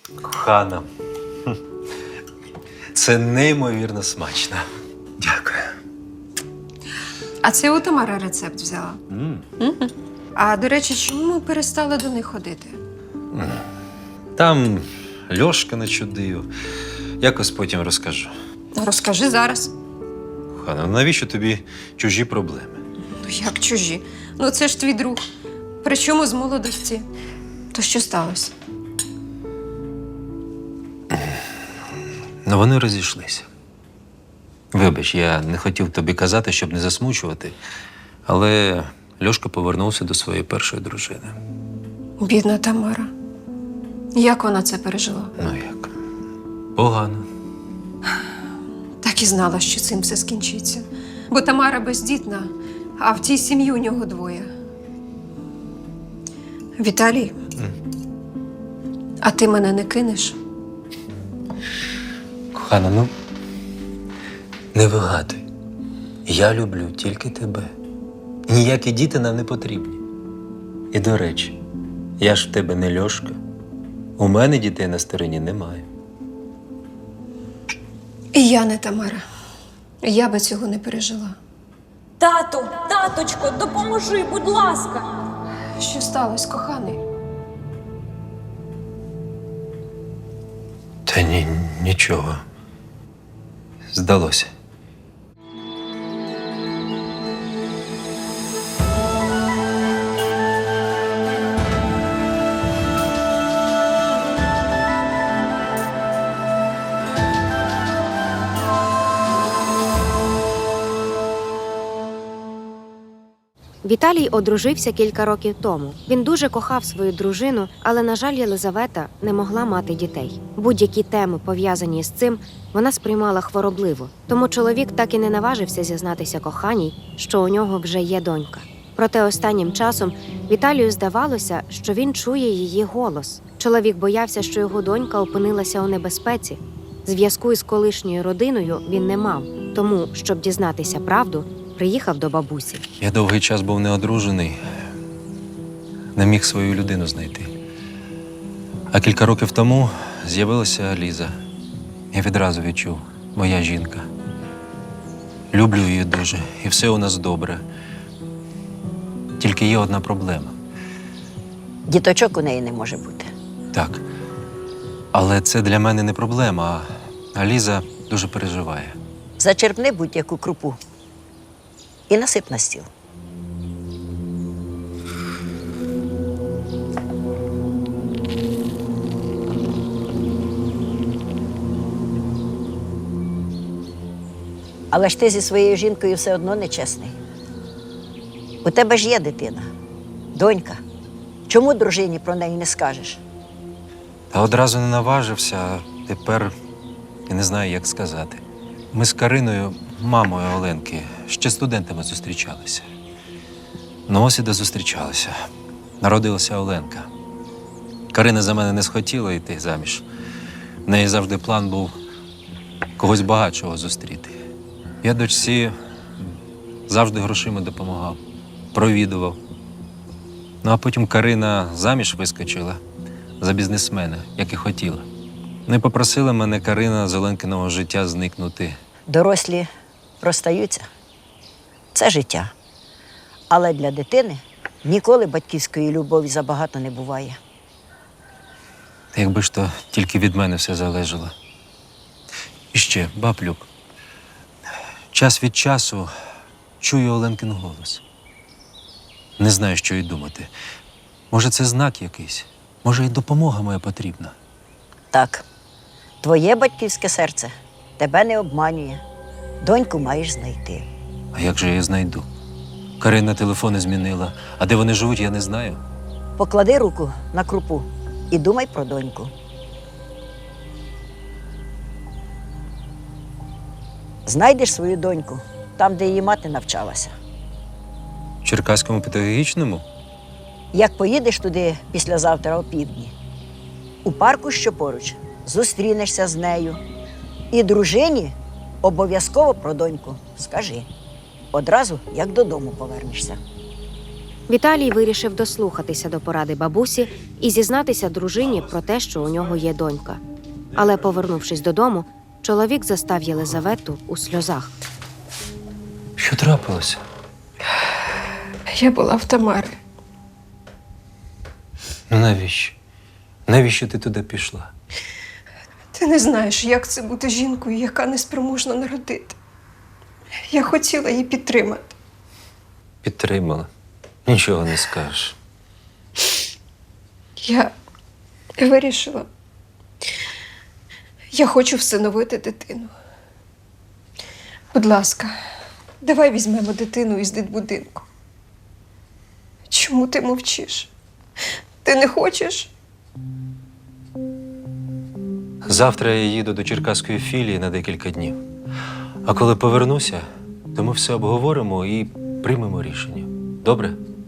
Кохана. Це неймовірно смачно. Дякую. А це у Тамара рецепт взяла. А, до речі, чому ми перестали до них ходити? Там Льошка начудив. Якось потім розкажу. Розкажи зараз. Кохана, навіщо тобі чужі проблеми? Ну, як чужі? Ну, це ж твій друг. Причому з молодості. То що сталося? Ну, вони розійшлися. Вибач, я не хотів тобі казати, щоб не засмучувати, але Льошка повернувся до своєї першої дружини. Бідна Тамара. Як вона це пережила? Ну як? Погано. Так і знала, що цим все скінчиться. Бо Тамара бездітна, а в тій сім'ї у нього двоє. Віталій, а ти мене не кинеш? Кохана, ну, не вигадуй. Я люблю тільки тебе. Ніякі діти нам не потрібні. І, до речі, я ж в тебе не Льошка. У мене дітей на стороні немає. І я не Тамара. Я би цього не пережила. Тату, таточко, допоможи, будь ласка. Що сталося, коханий? Та нічого. Здалося. Віталій одружився кілька років тому. Він дуже кохав свою дружину, але, на жаль, Єлизавета не могла мати дітей. Будь-які теми, пов'язані з цим, вона сприймала хворобливо. Тому чоловік так і не наважився зізнатися коханій, що у нього вже є донька. Проте останнім часом Віталію здавалося, що він чує її голос. Чоловік боявся, що його донька опинилася у небезпеці. Зв'язку із колишньою родиною він не мав, тому, щоб дізнатися правду, приїхав до бабусі. Я довгий час був неодружений, не міг свою людину знайти. А кілька років тому з'явилася Ліза. Я відразу відчув, моя жінка. Люблю її дуже, і все у нас добре. Тільки є одна проблема. Діточок у неї не може бути. Так. Але це для мене не проблема, а Ліза дуже переживає. Зачерпни будь-яку крупу і насип на стіл. Але ж ти зі своєю жінкою все одно нечесний. У тебе ж є дитина, донька. Чому дружині про неї не скажеш? Та одразу не наважився, а тепер я не знаю, як сказати. Ми з Кариною, мамою Оленки, ще студентами зустрічалися. Ну ось і дозустрічалися. Народилася Оленка. Карина за мене не схотіла йти заміж. В неї завжди план був когось багатшого зустріти. Я дочці завжди грошима допомагав, провідував. Ну а потім Карина заміж вискочила за бізнесмена, як і хотіла. Не попросила мене Карина з Оленкиного життя зникнути. Дорослі розстаються. Це життя. Але для дитини ніколи батьківської любові забагато не буває. Якби ж то тільки від мене все залежало. І ще, баблюк, час від часу чую Оленкин голос. Не знаю, що й думати. Може, це знак якийсь? Може, і допомога моя потрібна? Так, твоє батьківське серце тебе не обманює. Доньку маєш знайти. А як же я її знайду? Карина телефони змінила, а де вони живуть, я не знаю. Поклади руку на крупу і думай про доньку. Знайдеш свою доньку там, де її мати навчалася. В Черкаському педагогічному? Як поїдеш туди післязавтра опівдні, у парку, що поруч, зустрінешся з нею. І дружині обов'язково про доньку скажи. Одразу, як додому повернешся. Віталій вирішив дослухатися до поради бабусі і зізнатися дружині про те, що у нього є донька. Але, повернувшись додому, чоловік застав Єлизавету у сльозах. Що трапилося? Я була в Тамари. Ну навіщо? Навіщо ти туди пішла? Ти не знаєш, як це бути жінкою, яка неспроможна народити. Я хотіла її підтримати. Підтримала. Нічого не скажеш. Я вирішила. Я хочу всиновити дитину. Будь ласка, давай візьмемо дитину із дитбудинку. Чому ти мовчиш? Ти не хочеш? Завтра я їду до Черкаської філії на декілька днів. А коли повернуся, то ми все обговоримо і приймемо рішення. Добре?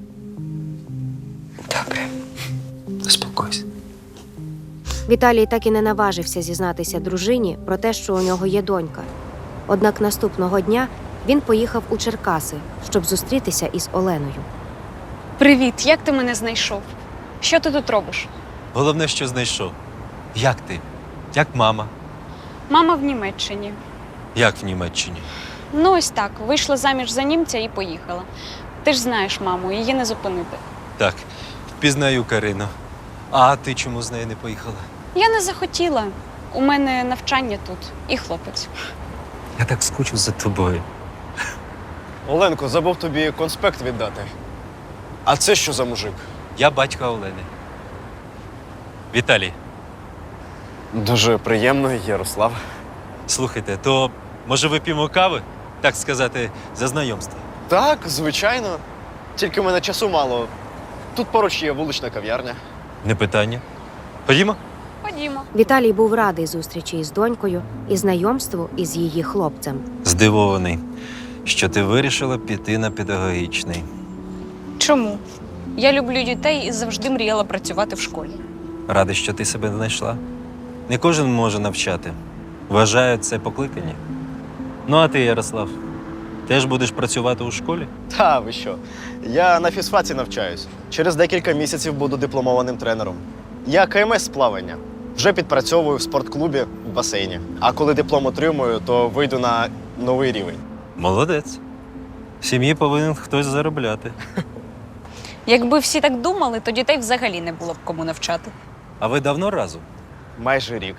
Добре. Заспокойся. Віталій так і не наважився зізнатися дружині про те, що у нього є донька. Однак наступного дня він поїхав у Черкаси, щоб зустрітися із Оленою. Привіт, як ти мене знайшов? Що ти тут робиш? Головне, що знайшов. Як ти? Як мама? Мама в Німеччині. Як в Німеччині? Ну ось так, вийшла заміж за німця і поїхала. Ти ж знаєш маму, її не зупинити. Так, впізнаю Карину. А ти чому з нею не поїхала? Я не захотіла. У мене навчання тут і хлопець. Я так скучив за тобою. Оленко, забув тобі конспект віддати. А це що за мужик? Я батько Олени. Віталій, Дуже приємно, Ярослав. слухайте, то може вип'ємо кави? Так сказати, за знайомство. Так, звичайно. Тільки в мене часу мало. Тут поруч є вулична кав'ярня. Не питання. Ходімо? Ходімо. Віталій був радий зустрічі із донькою і знайомству із її хлопцем. Здивований, що ти вирішила піти на педагогічний. Чому? Я люблю дітей і завжди мріяла працювати в школі. Радий, що ти себе знайшла. Не кожен може навчати. Вважаю, це покликання. Ну, а ти, Ярослав, теж будеш працювати у школі? Та ви що? Я на фізфаці навчаюсь. Через декілька місяців буду дипломованим тренером. Я КМС з плавання. Вже підпрацьовую в спортклубі в басейні. А коли диплом отримую, то вийду на новий рівень. Молодець. В сім'ї повинен хтось заробляти. Якби всі так думали, то дітей взагалі не було б кому навчати. А ви давно разом? Майже рік.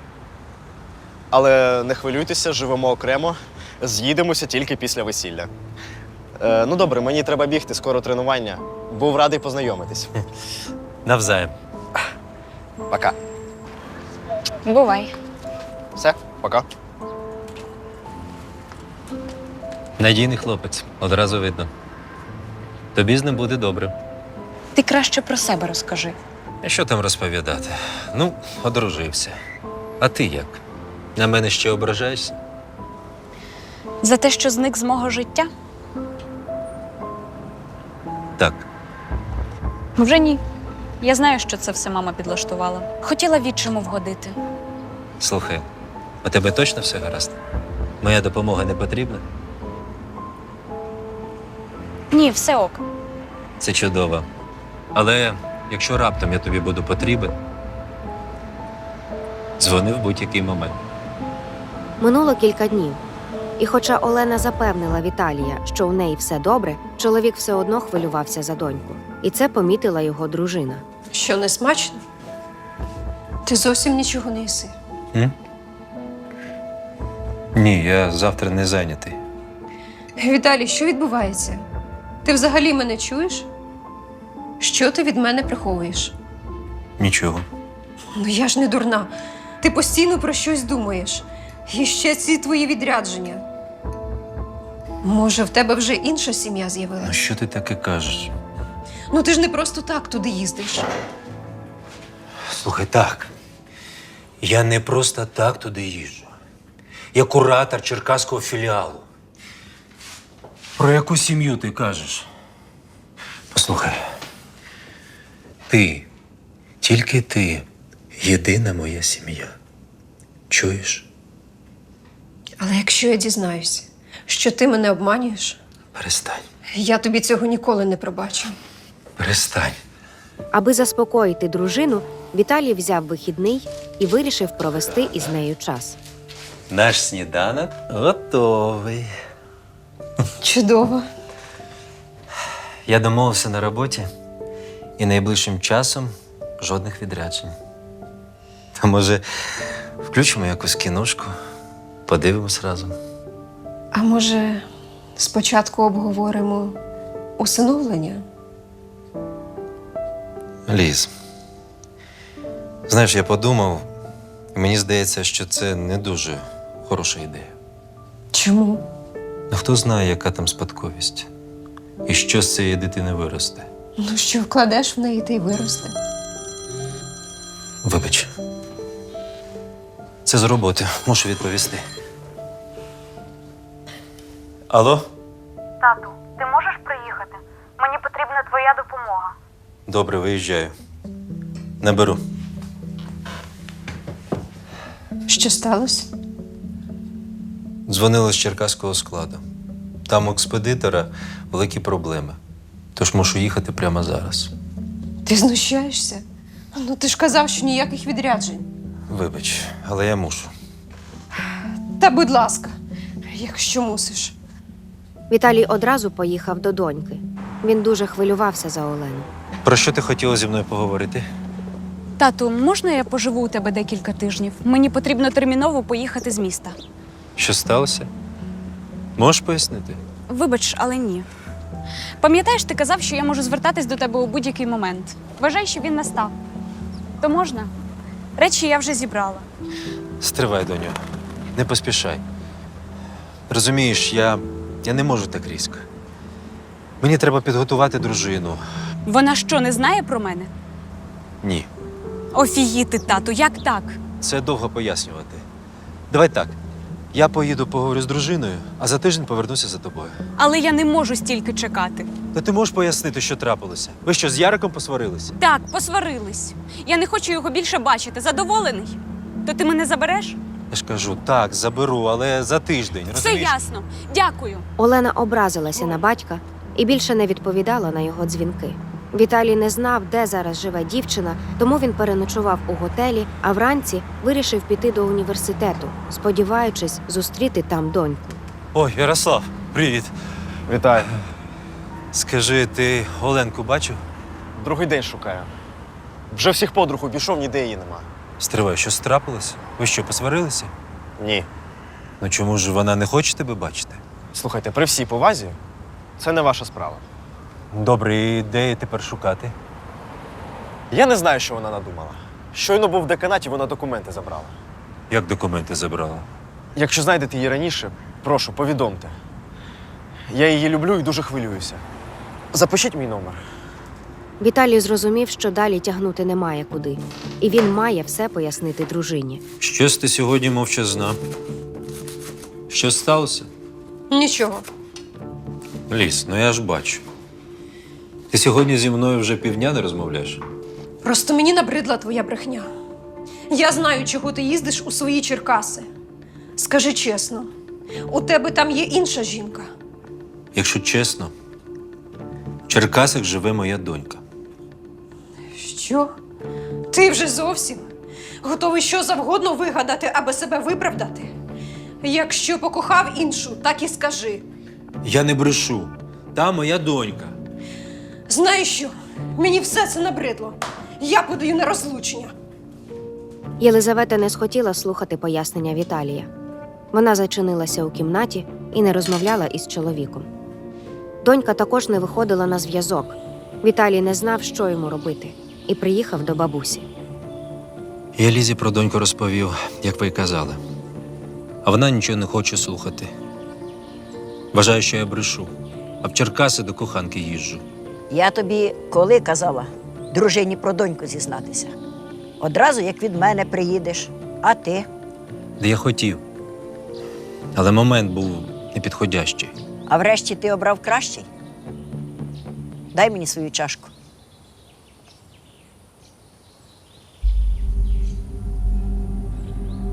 Але не хвилюйтеся, живемо окремо. З'їдемося тільки після весілля. Ну добре, мені треба бігти, скоро тренування. Був радий познайомитись. Навзаєм. Пока. Бувай. Все, пока. Надійний хлопець, одразу видно. Тобі з ним буде добре. Ти краще про себе розкажи. А що там розповідати? Ну, одружився. А ти як? На мене ще ображаєшся? За те, що зник з мого життя? Так. Вже ні. Я знаю, що це все мама підлаштувала. Хотіла відчиму вгодити. Слухай, у тебе точно все гаразд? Моя допомога не потрібна? Ні, все ок. Це чудово. Але якщо раптом я тобі буду потрібен, дзвони в будь-який момент. Минуло кілька днів. І хоча Олена запевнила Віталія, що у неї все добре, чоловік все одно хвилювався за доньку. І це помітила його дружина. Що, не смачно? Ти зовсім нічого не їси. Ні, я завтра не зайнятий. Віталій, що відбувається? Ти взагалі мене чуєш? Що ти від мене приховуєш? Нічого. Ну я ж не дурна. Ти постійно про щось думаєш. І ще ці твої відрядження. Може, в тебе вже інша сім'я Ну з'явилася? що ти таке кажеш? Ну ти ж не просто так туди їздиш. Слухай, так. Я не просто так туди їжджу. Я куратор черкаського філіалу. Про яку сім'ю ти кажеш? Послухай. Ти, тільки ти, єдина моя сім'я. Чуєш? Але якщо я дізнаюся, що ти мене обманюєш, Перестань. Я тобі цього ніколи не пробачу. Перестань. Аби заспокоїти дружину, Віталій взяв вихідний і вирішив провести із нею час. Наш сніданок готовий. Чудово. Я домовився на роботі і найближчим часом жодних відряджень. Та може, включимо якусь кіношку, подивимось разом. А може, спочатку обговоримо усиновлення? Ліз, знаєш, я подумав, і мені здається, що це не дуже хороша ідея. Чому? Ну, хто знає, яка там спадковість? І що з цієї дитини виросте? Ну що, вкладеш в неї, та й виросте. Вибач. Це з роботи. Мушу відповісти. Алло? Тату, ти можеш приїхати? Мені потрібна твоя допомога. Добре, виїжджаю. Наберу. Що сталося? Дзвонили з черкаського складу. Там у експедитора великі проблеми. Тож мушу їхати прямо зараз. Ти знущаєшся? Ну ти ж казав, що ніяких відряджень. Вибач, але я мушу. Та будь ласка, якщо мусиш. Віталій одразу поїхав до доньки. Він дуже хвилювався за Олену. Про що ти хотіла зі мною поговорити? Тату, можна я поживу у тебе декілька тижнів? Мені потрібно терміново поїхати з міста. Що сталося? Можеш пояснити? Вибач, але ні. Пам'ятаєш, ти казав, що я можу звертатись до тебе у будь-який момент. Вважай, що він настав. То можна? Речі я вже зібрала. Стривай, доню. Не поспішай. Розумієш, я не можу так різко. Мені треба підготувати дружину. Вона що, не знає про мене? Ні, Офігіти, тату, як так? це довго пояснювати. Давай так. Я поїду поговорю з дружиною, а за тиждень повернуся за тобою. Але я не можу стільки чекати. Та ти можеш пояснити, що трапилося? Ви що, з Яриком посварилися? Так, посварились. Я не хочу його більше бачити. Задоволений? То ти мене забереш? Я ж кажу, так, заберу, але за тиждень. Все Розумієш? ясно. Дякую. Олена образилася на батька і більше не відповідала на його дзвінки. Віталій не знав, де зараз живе дівчина, тому він переночував у готелі, а вранці вирішив піти до університету, сподіваючись зустріти там доньку. Ой, Ярослав, привіт. Вітаю. Скажи, ти Оленку бачив? Другий день шукаю. Вже всіх подруг обійшов, ніде її нема. Стривай, що трапилось? Ви що, посварилися? Ні. Ну чому ж вона не хоче тебе бачити? Слухайте, при всій повазі, це не ваша справа. Добре, і де її тепер шукати? Я не знаю, що вона надумала. Щойно був в деканаті, вона документи забрала. Як документи забрала? Якщо знайдете її раніше, прошу, повідомте. Я її люблю і дуже хвилююся. Запишіть мій номер. Віталій зрозумів, що далі тягнути немає куди, і він має все пояснити дружині. Щось ти сьогодні мовчазна. Що сталося? Нічого. Ліс, ну я ж бачу. Ти сьогодні зі мною вже півдня не розмовляєш? Просто мені набридла твоя брехня. Я знаю, чого ти їздиш у свої Черкаси. Скажи чесно, у тебе там є інша жінка. Якщо чесно, в Черкасах живе моя донька. Що? Ти вже зовсім готовий що завгодно вигадати, аби себе виправдати? Якщо покохав іншу, так і скажи. Я не брешу. Та моя донька. Знаєш що? Мені все це набридло. Я подаю на розлучення. Єлизавета не схотіла слухати пояснення Віталія. Вона зачинилася у кімнаті і не розмовляла із чоловіком. Донька також не виходила на зв'язок. Віталій не знав, що йому робити, і приїхав до бабусі. Я Лізі про доньку розповів, як ви й казали. А вона нічого не хоче слухати. Вважає, що я брешу, а в Черкаси до коханки їжджу. Я тобі коли казала дружині про доньку зізнатися? Одразу, як від мене приїдеш. А ти? Де я хотів. Але момент був непідходящий. А врешті ти обрав кращий? Дай мені свою чашку.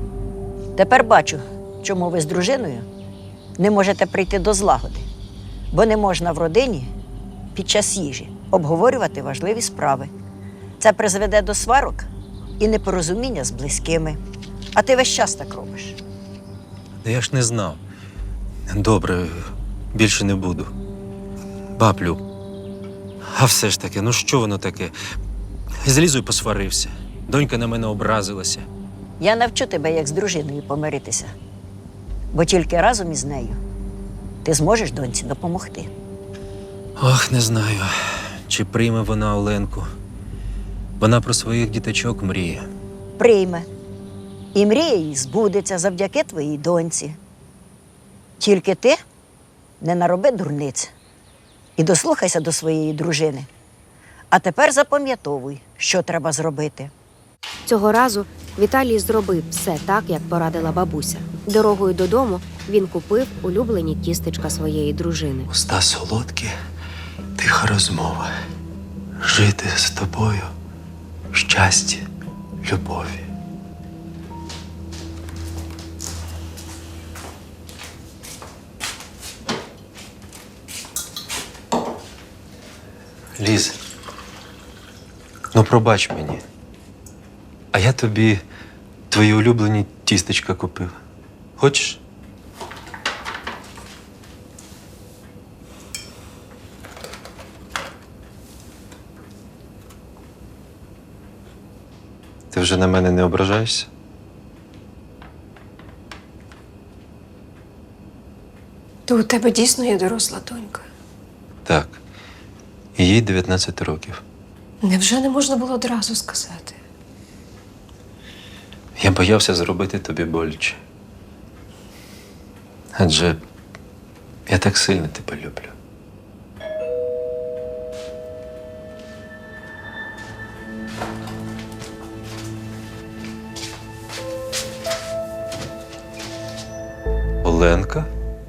Тепер бачу, чому ви з дружиною не можете прийти до злагоди. Бо не можна в родині під час їжі обговорювати важливі справи. Це призведе до сварок і непорозуміння з близькими. А ти весь час так робиш. Та я ж не знав. Добре, більше не буду. Баблю. А все ж таки, ну що воно таке? З Лізою посварився. Донька на мене образилася. Я навчу тебе, як з дружиною помиритися. Бо тільки разом із нею ти зможеш доньці допомогти. Ох, не знаю, чи прийме вона Оленку. Вона про своїх діточок мріє. Прийме. І мрія її збудеться завдяки твоїй доньці. Тільки ти не нароби дурниць і дослухайся до своєї дружини. А тепер запам'ятовуй, що треба зробити. Цього разу Віталій зробив все так, як порадила бабуся. Дорогою додому він купив улюблені тістечка своєї дружини. Уста солодкі, тиха розмова. Жити з тобою в щасті, любові. Ліз, ну пробач мені. А я тобі твої улюблені тістечка купив. Хочеш? Ти вже на мене не ображаєшся? То у тебе дійсно є доросла донька. Так. І їй 19 років. Невже не можна було одразу сказати? Я боявся зробити тобі боляче. Адже я так сильно тебе люблю. Оленка?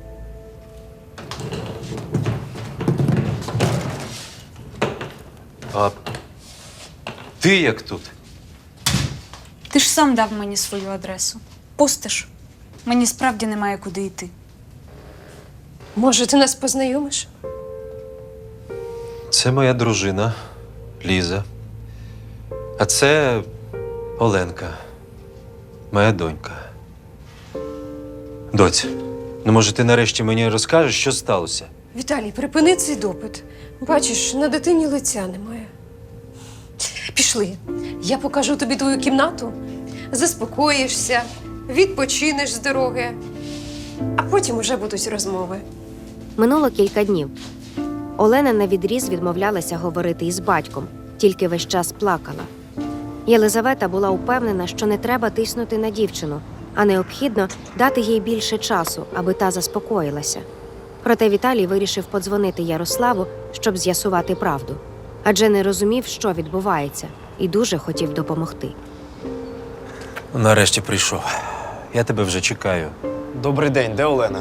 А ти як тут? Ти ж сам дав мені свою адресу. Пустиш. Мені справді немає куди йти. Може, ти нас познайомиш? Це моя дружина Ліза. А це Оленка, моя донька. Доць, ну може ти нарешті мені розкажеш, що сталося? Віталій, припини цей допит. Бачиш, на дитині лиця немає. Пішли. Я покажу тобі твою кімнату, заспокоїшся, відпочинеш з дороги, а потім уже будуть розмови. Минуло кілька днів. Олена навідріз відмовлялася говорити із батьком, тільки весь час плакала. Єлизавета була упевнена, що не треба тиснути на дівчину, а необхідно дати їй більше часу, аби та заспокоїлася. Проте Віталій вирішив подзвонити Ярославу, щоб з'ясувати правду. Адже не розумів, що відбувається, і дуже хотів допомогти. Нарешті прийшов. Я тебе вже чекаю. Добрий день, де Олена?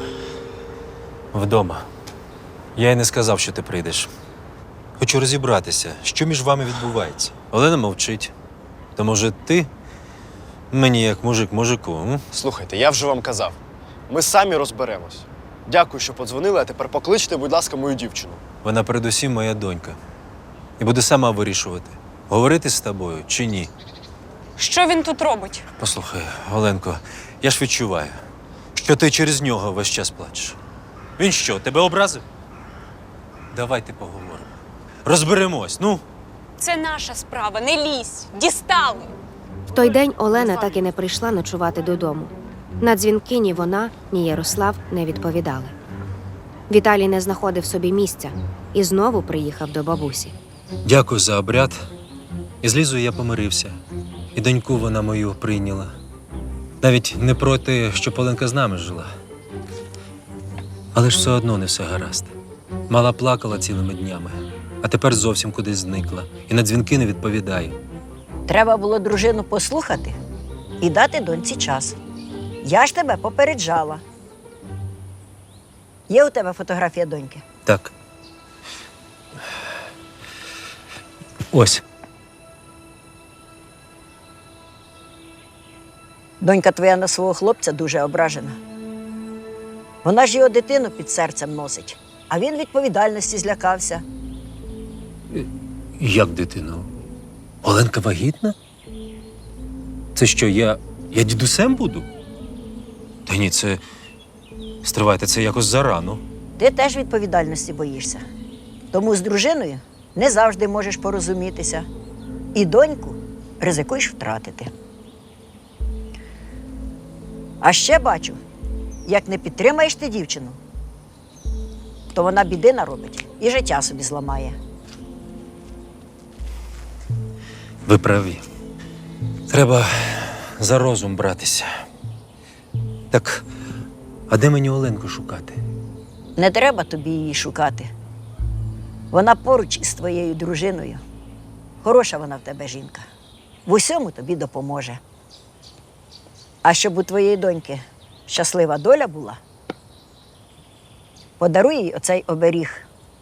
Вдома. Я й не сказав, що ти прийдеш. Хочу розібратися, що між вами відбувається. Олена мовчить. То може ти мені як мужик мужику, м? Слухайте, я вже вам казав. Ми самі розберемось. Дякую, що подзвонили, а тепер покличте, будь ласка, мою дівчину. Вона передусім моя донька. І буде сама вирішувати, говорити з тобою чи ні. Що він тут робить? Послухай, Оленко, я ж відчуваю, що ти через нього весь час плачеш. Він що, тебе образив? Давайте поговоримо. Розберемось, ну. Це наша справа, не лізь. Дістали. В той день Олена так і не прийшла ночувати додому. На дзвінки ні вона, ні Ярослав не відповідали. Віталій не знаходив собі місця і знову приїхав до бабусі. Дякую за обряд. І з Лізою я помирився. І доньку вона мою прийняла. Навіть не проти, щоб Оленка з нами жила. Але ж все одно не все гаразд. Мала плакала цілими днями, а тепер зовсім кудись зникла. І на дзвінки не відповідає. Треба було дружину послухати і дати доньці час. Я ж тебе попереджала. Є у тебе фотографія доньки? Так. Ось. Донька твоя на свого хлопця дуже ображена. Вона ж його дитину під серцем носить, а він відповідальності злякався. Як дитину? Оленка вагітна? Це що, я дідусем буду? Та ні, це. Стривайте, це якось зарано. Ти теж відповідальності боїшся. Тому з дружиною не завжди можеш порозумітися. І доньку ризикуєш втратити. А ще бачу, як не підтримаєш ти дівчину, то вона біди наробить і життя собі зламає. Ви праві. Треба за розум братися. Так, а де мені Оленку шукати? Не треба тобі її шукати. Вона поруч із твоєю дружиною. Хороша вона в тебе жінка. В усьому тобі допоможе. А щоб у твоєї доньки щаслива доля була, подаруй їй оцей оберіг.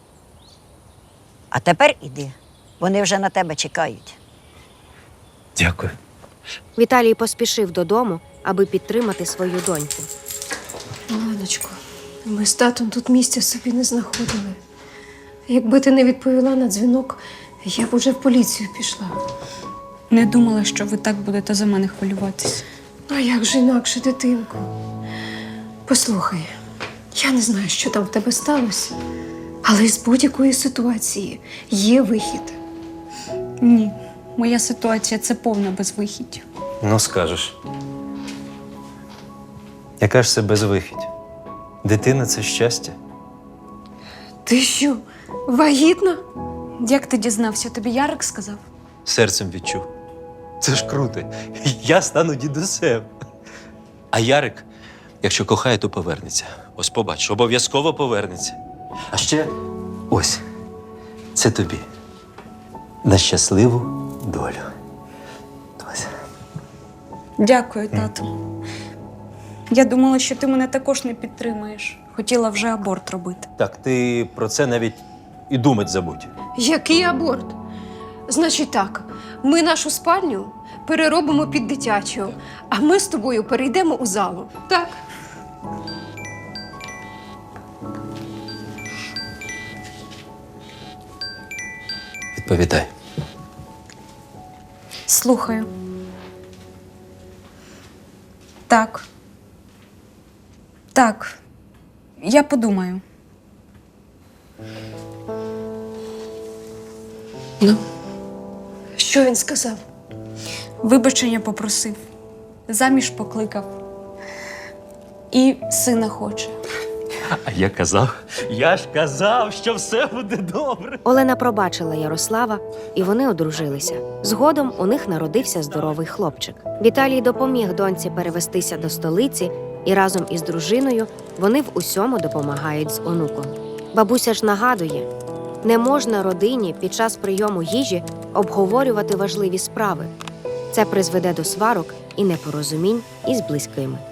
А тепер іди, вони вже на тебе чекають. Дякую. Віталій поспішив додому, аби підтримати свою доньку. Оленочко, ми з татом тут місця собі не знаходили. Якби ти не відповіла на дзвінок, я б уже в поліцію пішла. Не думала, що ви так будете за мене хвилюватись. А як же інакше, дитинку? Послухай, я не знаю, що там в тебе сталося, але з будь-якої ситуації є вихід. Ні, моя ситуація це повна безвихідь. Ну, скажеш. Яка ж це безвихідь? Дитина – це щастя. Ти що, вагітна? Як ти дізнався? Тобі Ярик сказав? Серцем відчув. Це ж круто. Я стану дідусем. А Ярик, якщо кохає, то повернеться. Ось побачиш, обов'язково повернеться. А ще ось, це тобі. На щасливу долю. Ось. Дякую, тату. Я думала, що ти мене також не підтримаєш. Хотіла вже аборт робити. Так, ти про це навіть і думать забудь. Який аборт? Значить так, ми нашу спальню переробимо під дитячу, а ми з тобою перейдемо у залу. Так? Відповідай. Слухаю. Так. Так. Я подумаю. Ну, що він сказав? Вибачення попросив. Заміж покликав. І сина хоче. А я ж казав, що все буде добре. Олена пробачила Ярослава, і вони одружилися. Згодом у них народився здоровий хлопчик. Віталій допоміг доньці перевестися до столиці, і разом із дружиною вони в усьому допомагають з онуком. Бабуся ж нагадує, не можна родині під час прийому їжі обговорювати важливі справи. Це призведе до сварок і непорозумінь із близькими.